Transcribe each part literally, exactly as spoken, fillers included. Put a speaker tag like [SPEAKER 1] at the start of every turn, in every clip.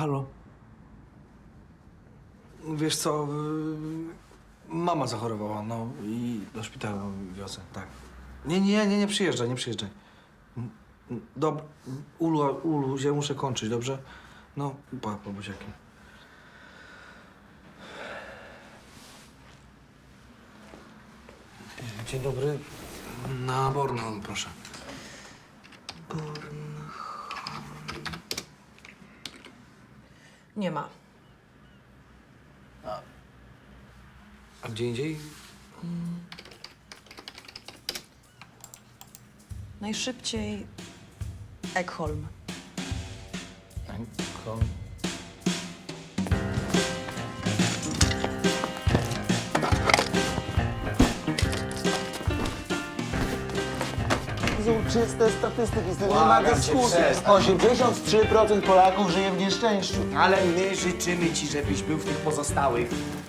[SPEAKER 1] Halo? Wiesz co, yy, mama zachorowała, no i do szpitala wiozę, tak. Nie, nie, nie, nie przyjeżdżaj, nie przyjeżdżaj. Dobra, Ulu, Ulu, ja muszę kończyć, dobrze? No, pa, pa, buziaki. Dzień dobry. Na Bornholm, proszę. Bornholm.
[SPEAKER 2] Nie ma.
[SPEAKER 1] A gdzie indziej?
[SPEAKER 2] Najszybciej Ekholm.
[SPEAKER 1] Bornholm.
[SPEAKER 3] Są czyste statystyki, z tym nie ma dyskusji. osiemdziesiąt trzy procent Polaków żyje w nieszczęściu.
[SPEAKER 4] Ale my życzymy ci, żebyś był w tych pozostałych.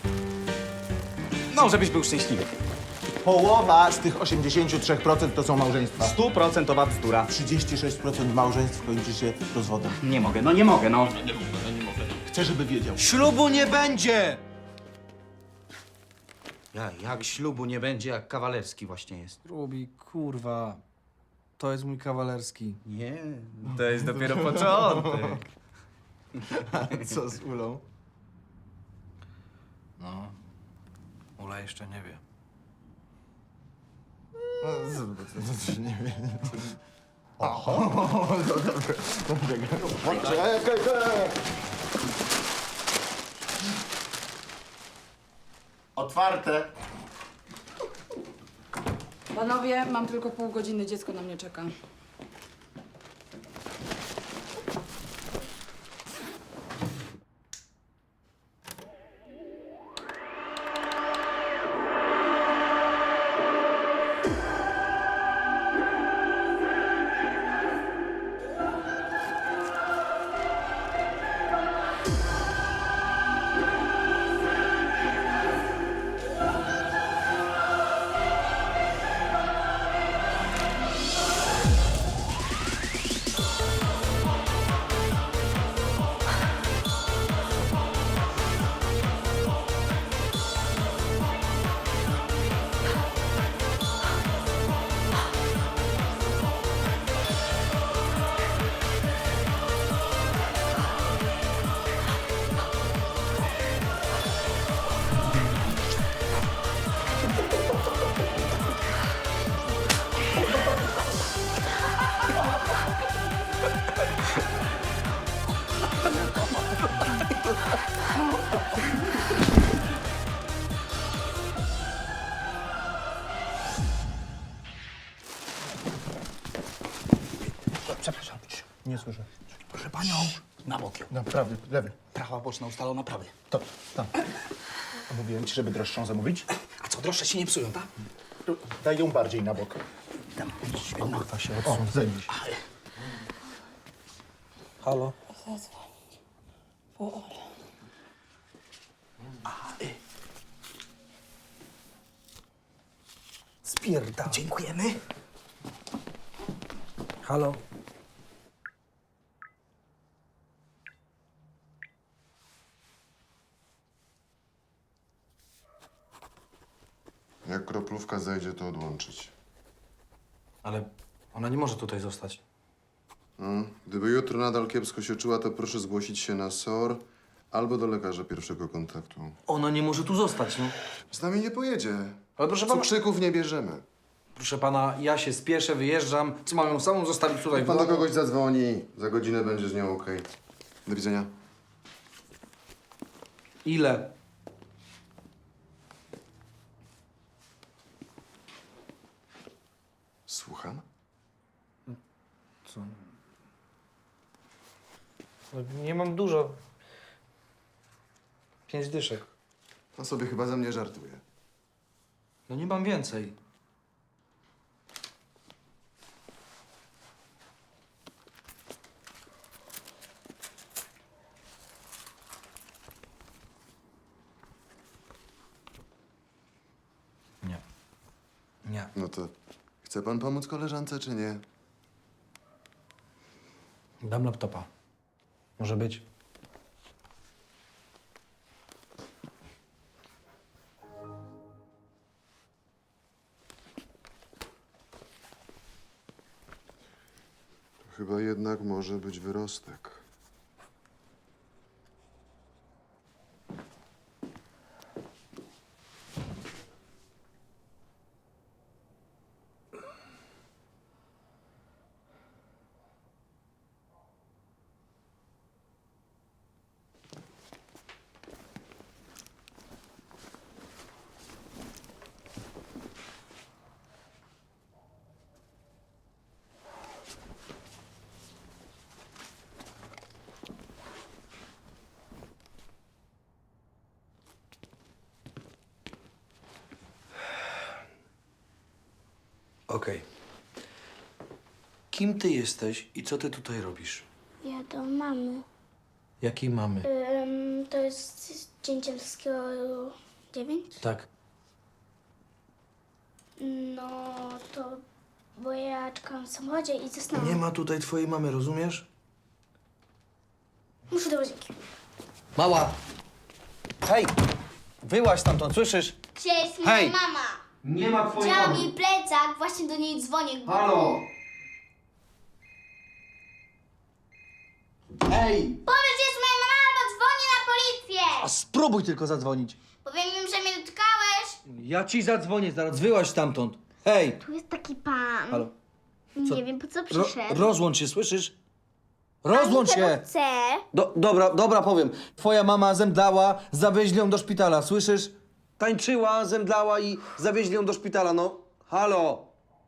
[SPEAKER 4] No, żebyś był szczęśliwy.
[SPEAKER 3] Połowa z tych osiemdziesięciu trzech procent to są małżeństwa.
[SPEAKER 4] Stuprocentowa bzdura.
[SPEAKER 3] trzydzieści sześć procent małżeństw kończy się rozwodem.
[SPEAKER 4] Nie mogę, no nie mogę, no.
[SPEAKER 3] Chcę, żeby wiedział.
[SPEAKER 5] Ślubu nie będzie!
[SPEAKER 6] Ja, jak ślubu nie będzie, jak kawalerski właśnie jest.
[SPEAKER 1] Rubi, kurwa. To jest mój kawalerski.
[SPEAKER 6] Nie.
[SPEAKER 4] To jest dopiero początek.
[SPEAKER 3] Co z Ulą?
[SPEAKER 1] No, Ula jeszcze nie wie.
[SPEAKER 3] Nie wiem. Otwarte.
[SPEAKER 7] Panowie, mam tylko pół godziny, dziecko na mnie czeka.
[SPEAKER 4] Przepraszam.
[SPEAKER 3] Nie słyszę.
[SPEAKER 4] Proszę panią. Na bok ją.
[SPEAKER 3] No, prawy, lewy.
[SPEAKER 4] Prawa boczna ustalona prawy.
[SPEAKER 3] To, tam. A mówiłem ci, żeby droższą zamówić?
[SPEAKER 4] A co, droższe się nie psują, tak?
[SPEAKER 3] Daj ją bardziej na bok.
[SPEAKER 4] Tam, świetna.
[SPEAKER 3] Kurwa się odsuń, zajmij się.
[SPEAKER 1] Halo? Spierdam.
[SPEAKER 4] Dziękujemy.
[SPEAKER 1] Halo?
[SPEAKER 8] Jak kroplówka zejdzie, to odłączyć.
[SPEAKER 1] Ale ona nie może tutaj zostać.
[SPEAKER 8] No, gdyby jutro nadal kiepsko się czuła, to proszę zgłosić się na S O R albo do lekarza pierwszego kontaktu.
[SPEAKER 1] Ona nie może tu zostać, no.
[SPEAKER 8] Z nami nie pojedzie.
[SPEAKER 1] Ale proszę pana,
[SPEAKER 8] Cukrzyków nie bierzemy.
[SPEAKER 1] proszę pana, ja się spieszę, wyjeżdżam. Co mam ją samą zostawić tutaj? w
[SPEAKER 8] Pan do
[SPEAKER 1] domu?
[SPEAKER 8] kogoś zadzwoni. Za godzinę będzie z nią okej. Do widzenia.
[SPEAKER 1] Ile?
[SPEAKER 8] Słucham?
[SPEAKER 1] Co? No, nie mam dużo. Pięć dyszek.
[SPEAKER 8] Pan sobie chyba ze mnie żartuje.
[SPEAKER 1] No nie mam więcej. Nie. Nie.
[SPEAKER 8] No to chce pan pomóc koleżance, czy nie?
[SPEAKER 1] Dam laptopa. Może być.
[SPEAKER 8] Chyba jednak może być wyrostek.
[SPEAKER 1] Okej. Kim ty jesteś i co ty tutaj robisz?
[SPEAKER 5] Ja do mamy.
[SPEAKER 1] Jakiej mamy?
[SPEAKER 5] Ym, to jest Dzięcielskiego dziewięć?
[SPEAKER 1] Tak.
[SPEAKER 5] No to, bo ja czekałam w samochodzie i zasnęłam.
[SPEAKER 1] Nie ma tutaj twojej mamy, rozumiesz?
[SPEAKER 5] Muszę do łazienki.
[SPEAKER 6] Mała! Hej! Wyłaź stamtąd, słyszysz?
[SPEAKER 5] Gdzie jest moja
[SPEAKER 6] Hej!
[SPEAKER 5] mama?
[SPEAKER 1] Nie ma twojej
[SPEAKER 5] Chciałam jej plecak, właśnie do niej dzwonię.
[SPEAKER 1] Halo!
[SPEAKER 6] Hej!
[SPEAKER 5] Powiedz, że jest moja mama, albo dzwonię na policję!
[SPEAKER 6] A spróbuj tylko zadzwonić.
[SPEAKER 5] Powiem im, że mnie dotkałeś.
[SPEAKER 6] Ja ci zadzwonię zaraz, wyłaź stamtąd. Hej!
[SPEAKER 5] Tu jest taki pan.
[SPEAKER 6] Halo?
[SPEAKER 5] Nie wiem, po co
[SPEAKER 6] Ro
[SPEAKER 5] przyszedł.
[SPEAKER 6] rozłącz się, słyszysz? Rozłącz się!
[SPEAKER 5] Chcę.
[SPEAKER 6] Do, dobra, dobra, powiem. Twoja mama zemdlała, zawieźli ją do szpitala, słyszysz? Tańczyła, zemdlała i zawieźli ją do szpitala, no. Halo!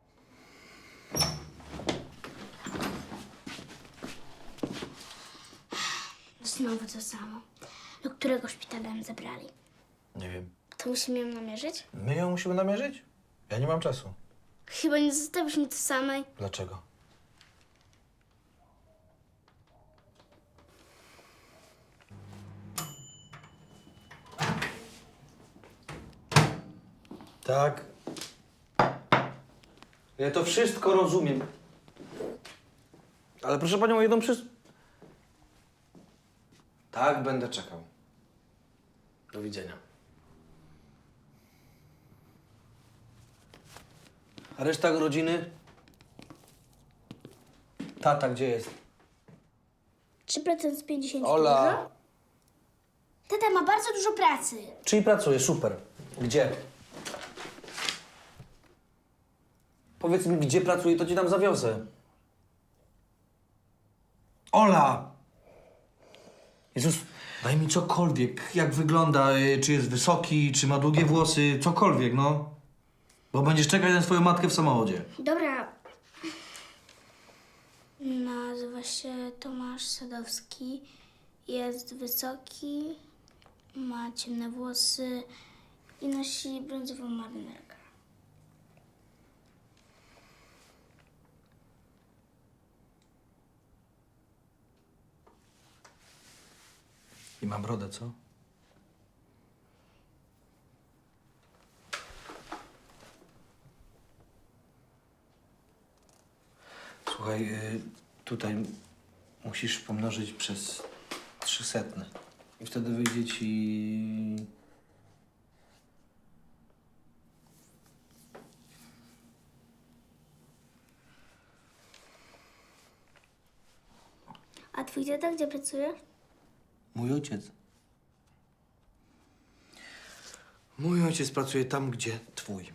[SPEAKER 5] Znowu to samo. Do którego szpitala ją zabrali?
[SPEAKER 1] Nie wiem.
[SPEAKER 5] To musimy ją namierzyć?
[SPEAKER 1] My ją musimy namierzyć? Ja nie mam czasu.
[SPEAKER 5] Chyba nie zostawisz mi tu samej.
[SPEAKER 1] Dlaczego? Tak. Ja to wszystko rozumiem. Ale proszę panią o jedną przys... Tak, będę czekał. Do widzenia. A reszta rodziny? Tata gdzie jest?
[SPEAKER 5] trzy procent z pięćdziesięciu.
[SPEAKER 1] Ola.
[SPEAKER 5] Dużo? Tata ma bardzo dużo pracy.
[SPEAKER 1] Czyli pracuje, super. Gdzie? Powiedz mi, gdzie pracuje, to ci tam zawiozę. Ola! Jezus, daj mi cokolwiek, jak wygląda, y, czy jest wysoki, czy ma długie włosy, cokolwiek, no. Bo będziesz czekać na swoją matkę w samochodzie.
[SPEAKER 5] Dobra. Nazywa się Tomasz Sadowski. Jest wysoki, ma ciemne włosy i nosi brązową marynarkę.
[SPEAKER 1] I ma brodę, co? Słuchaj, y, tutaj musisz pomnożyć przez trzysetne. I wtedy wyjdzie ci...
[SPEAKER 5] A twój tata gdzie pracuje?
[SPEAKER 1] Mój ojciec. Mój ojciec pracuje tam, gdzie twój.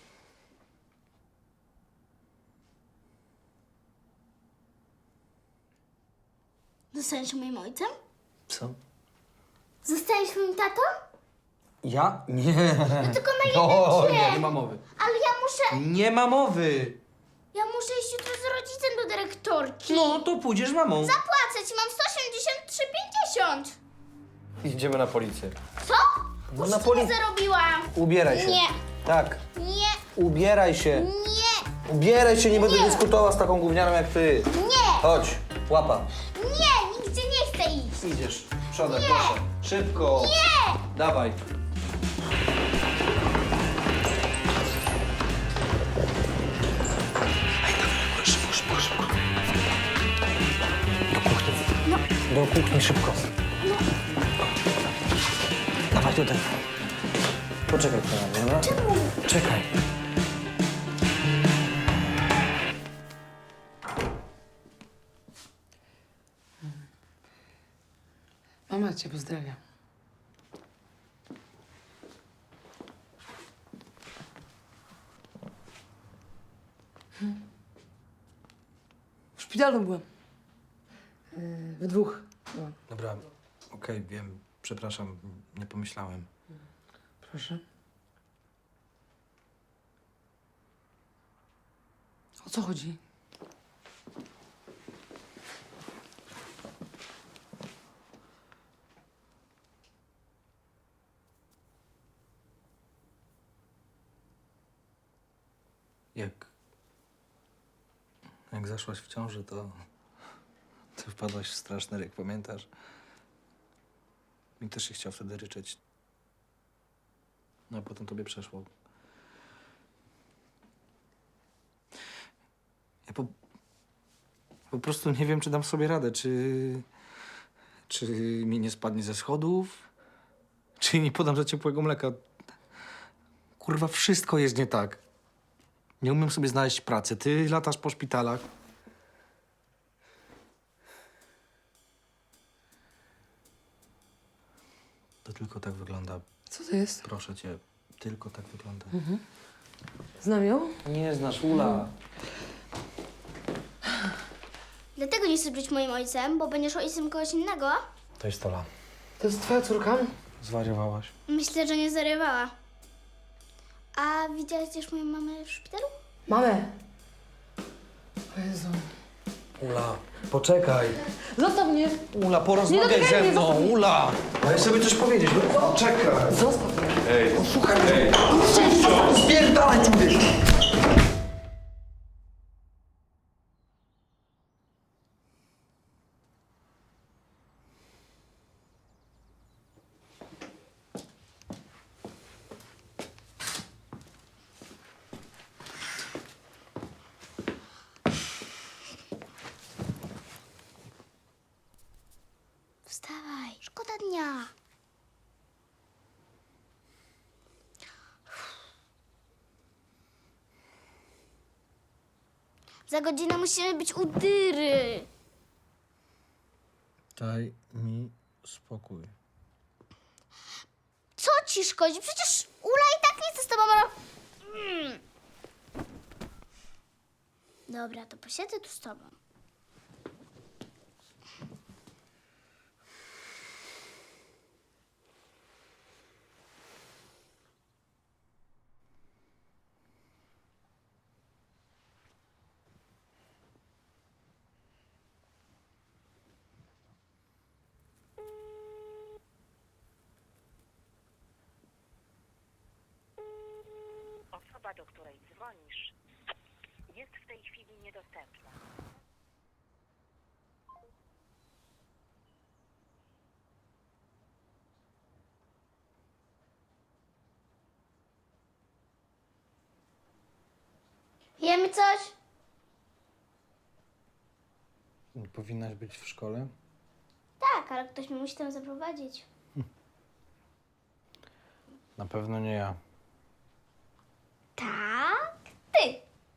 [SPEAKER 5] Zostaniesz moim ojcem?
[SPEAKER 1] Co?
[SPEAKER 5] Zostaniesz moim tatą?
[SPEAKER 1] Ja? Nie.
[SPEAKER 5] No tylko na
[SPEAKER 1] O,
[SPEAKER 5] jeden
[SPEAKER 1] nie,
[SPEAKER 5] dzień.
[SPEAKER 1] nie ma mowy.
[SPEAKER 5] Ale ja muszę...
[SPEAKER 1] Nie ma mowy.
[SPEAKER 5] Ja muszę iść jutro z rodzicem do dyrektorki.
[SPEAKER 1] No, to pójdziesz z mamą.
[SPEAKER 5] Zapłacę ci, mam sto osiemdziesiąt trzy pięćdziesiąt.
[SPEAKER 1] Idziemy na policję.
[SPEAKER 5] Co?
[SPEAKER 1] No na
[SPEAKER 5] Uczciwie
[SPEAKER 1] poli...
[SPEAKER 5] zarobiłam.
[SPEAKER 1] Ubieraj się.
[SPEAKER 5] Nie.
[SPEAKER 1] Tak.
[SPEAKER 5] Nie,
[SPEAKER 1] Ubieraj się.
[SPEAKER 5] nie,
[SPEAKER 1] Ubieraj się, nie będę
[SPEAKER 5] Nie.
[SPEAKER 1] dyskutował z taką gównianą jak ty.
[SPEAKER 5] nie,
[SPEAKER 1] Chodź, łapa.
[SPEAKER 5] nie, nigdzie nie chcę iść.
[SPEAKER 1] Idziesz. Przodem, proszę. Szybko.
[SPEAKER 5] Nie!
[SPEAKER 1] Dawaj. Szybko, szybko, szybko. Do kuchni.
[SPEAKER 5] No.
[SPEAKER 1] Do kuchni, szybko.
[SPEAKER 5] No.
[SPEAKER 1] Dawaj tutaj. Poczekaj tu na mnie, dobra?
[SPEAKER 5] Czemu?
[SPEAKER 1] Czekaj.
[SPEAKER 9] cię pozdrawiam. Hmm. W szpitalu byłem. Yy, we dwóch byłam.
[SPEAKER 1] Dobra, okej, wiem. Przepraszam, nie pomyślałem.
[SPEAKER 9] Proszę. O co chodzi?
[SPEAKER 1] Jak... Jak zaszłaś w ciąży, to... Ty wpadłaś w straszny ryk, pamiętasz? Mi też się chciał wtedy ryczeć. No a potem tobie przeszło. Ja po... Po prostu nie wiem, czy dam sobie radę, czy... Czy mi nie spadnie ze schodów, czy nie podam za ciepłego mleka. Kurwa, wszystko jest nie tak. Nie umiem sobie znaleźć pracy. Ty latasz po szpitalach. To tylko tak wygląda.
[SPEAKER 9] Co to jest?
[SPEAKER 1] Proszę cię, tylko tak wygląda.
[SPEAKER 9] Znam ją?
[SPEAKER 1] Nie znasz Ula.
[SPEAKER 5] Dlatego nie chcesz być moim ojcem, bo będziesz ojcem kogoś innego?
[SPEAKER 1] To jest Ola.
[SPEAKER 9] To jest twoja córka?
[SPEAKER 1] Zwariowałaś.
[SPEAKER 5] Myślę, że nie zarywała. A widziałaś też moją mamę w szpitalu?
[SPEAKER 9] Mamę. O Jezu.
[SPEAKER 1] Ula, poczekaj.
[SPEAKER 9] Zostaw mnie!
[SPEAKER 1] Ula, porozmawiaj
[SPEAKER 9] dotykaj
[SPEAKER 1] ze
[SPEAKER 9] mnie,
[SPEAKER 1] mną.
[SPEAKER 9] zostaw mnie.
[SPEAKER 1] Ula! Daj sobie coś powiedzieć. No, czekaj.
[SPEAKER 9] Zostaw mnie!
[SPEAKER 1] Słuchaj mnie. Spierdalaj tu gdzieś.
[SPEAKER 5] Wstawaj, szkoda dnia. Za godzinę musimy być u Dyry.
[SPEAKER 1] Daj mi spokój.
[SPEAKER 5] Co ci szkodzi? Przecież Ula i tak nie chce z tobą ro... Mm. Dobra, to posiedzę tu z tobą.
[SPEAKER 10] Osoba, do której dzwonisz, jest w tej chwili niedostępna.
[SPEAKER 5] Jemy coś?
[SPEAKER 1] Nie powinnaś być w szkole?
[SPEAKER 5] Tak, ale ktoś mnie musi tam zaprowadzić.
[SPEAKER 1] Na pewno nie ja.
[SPEAKER 5] Tak? Ty.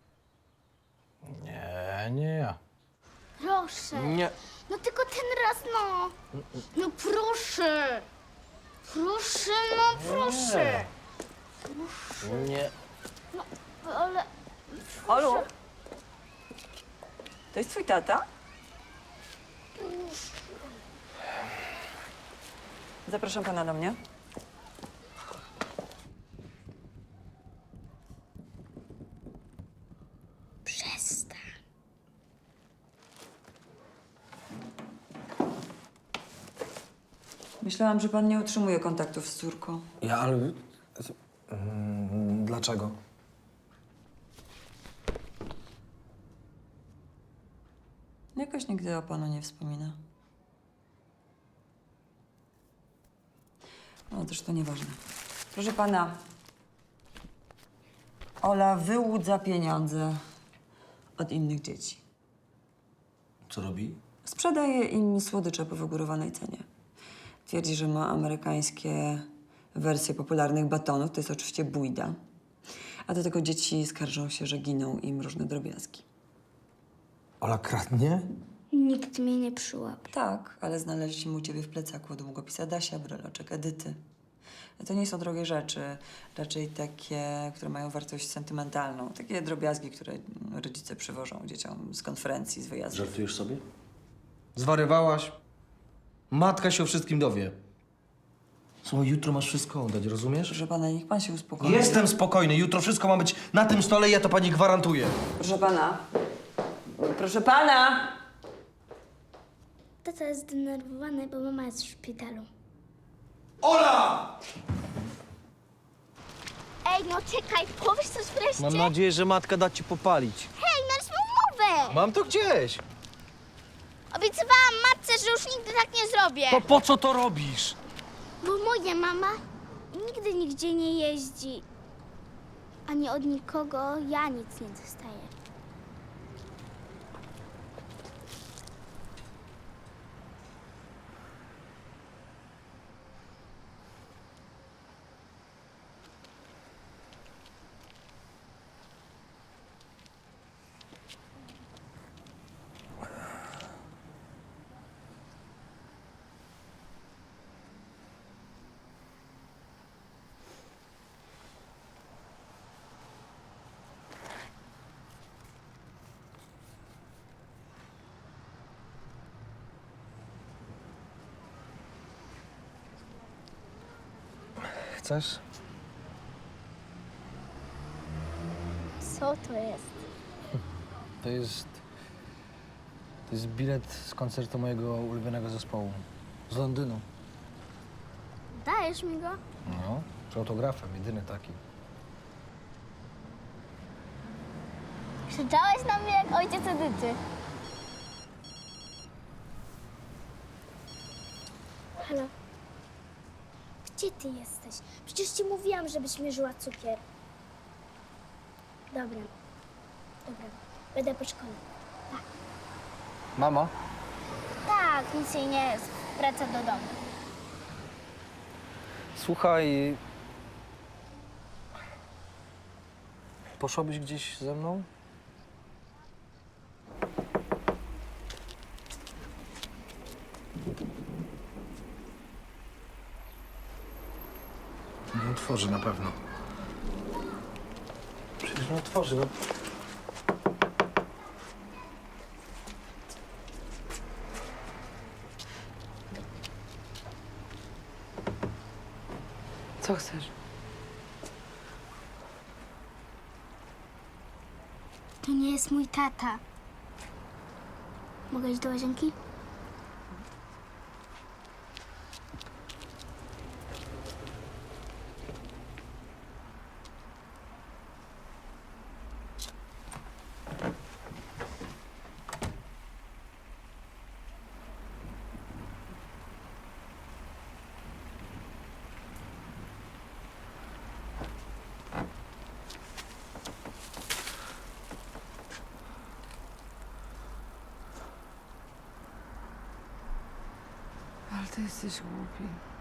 [SPEAKER 1] Nie, nie ja.
[SPEAKER 5] Proszę.
[SPEAKER 1] Nie.
[SPEAKER 5] No tylko ten raz, no. No proszę. Proszę, no proszę.
[SPEAKER 1] Nie.
[SPEAKER 5] No, ale...
[SPEAKER 2] Olu? To jest twój tata? Zapraszam pana do mnie.
[SPEAKER 5] Przestań.
[SPEAKER 2] Myślałam, że pan nie utrzymuje kontaktów z córką.
[SPEAKER 1] Ja, ale... Mm, Dlaczego?
[SPEAKER 2] Jakoś nigdy o panu nie wspomina. No, też to nieważne. Proszę pana, Ola wyłudza pieniądze od innych dzieci.
[SPEAKER 1] Co robi?
[SPEAKER 2] Sprzedaje im słodycze po wygórowanej cenie. Twierdzi, że ma amerykańskie wersje popularnych batonów, to jest oczywiście bójda. A do tego dzieci skarżą się, że giną im różne drobiazgi.
[SPEAKER 1] Ola kradnie?
[SPEAKER 5] Nikt mnie nie przyłapał.
[SPEAKER 2] Tak, ale znaleźliśmy u ciebie w plecaku długopis Adasia, breloczek Edyty. To nie są drogie rzeczy, raczej takie, które mają wartość sentymentalną. Takie drobiazgi, które rodzice przywożą dzieciom z konferencji, z wyjazdów.
[SPEAKER 6] Żartujesz sobie? Zwariowałaś? Matka się o wszystkim dowie. Słuchaj, jutro masz wszystko oddać, rozumiesz?
[SPEAKER 2] Proszę pana, niech pan się uspokoi.
[SPEAKER 6] Jestem spokojny, jutro wszystko ma być na tym stole i ja to pani gwarantuję.
[SPEAKER 2] Proszę pana. Proszę pana!
[SPEAKER 5] Tata jest zdenerwowany, bo mama jest w szpitalu.
[SPEAKER 6] Ola!
[SPEAKER 5] Ej, no czekaj, powiesz coś wreszcie?
[SPEAKER 6] Mam nadzieję, że matka da ci popalić.
[SPEAKER 5] Hej, naryśmy umowę!
[SPEAKER 6] Mam to gdzieś.
[SPEAKER 5] Obiecywałam matce, że już nigdy tak nie zrobię.
[SPEAKER 6] To po co to robisz?
[SPEAKER 5] Bo moja mama nigdy nigdzie nie jeździ. Ani od nikogo ja nic nie dostaję.
[SPEAKER 1] Chcesz?
[SPEAKER 5] Co to jest?
[SPEAKER 1] To jest... To jest bilet z koncertu mojego ulubionego zespołu. Z Londynu.
[SPEAKER 5] Dajesz mi go?
[SPEAKER 1] No, z autografem, jedyny taki.
[SPEAKER 5] Krzyczałeś na mnie jak ojciec Edyty. Halo? Gdzie ty jesteś? Przecież ci mówiłam, żebyś mierzyła cukier. Dobra. Dobra. Będę po szkole.
[SPEAKER 1] Mamo?
[SPEAKER 5] Tak, nic jej nie jest. Wraca do domu.
[SPEAKER 1] Słuchaj... Poszłabyś gdzieś ze mną? Nie otworzy na pewno. Przecież nie otworzy, no.
[SPEAKER 9] Co chcesz?
[SPEAKER 5] To nie jest mój tata. Mogę iść do łazienki?
[SPEAKER 9] Ale ty jesteś głupi.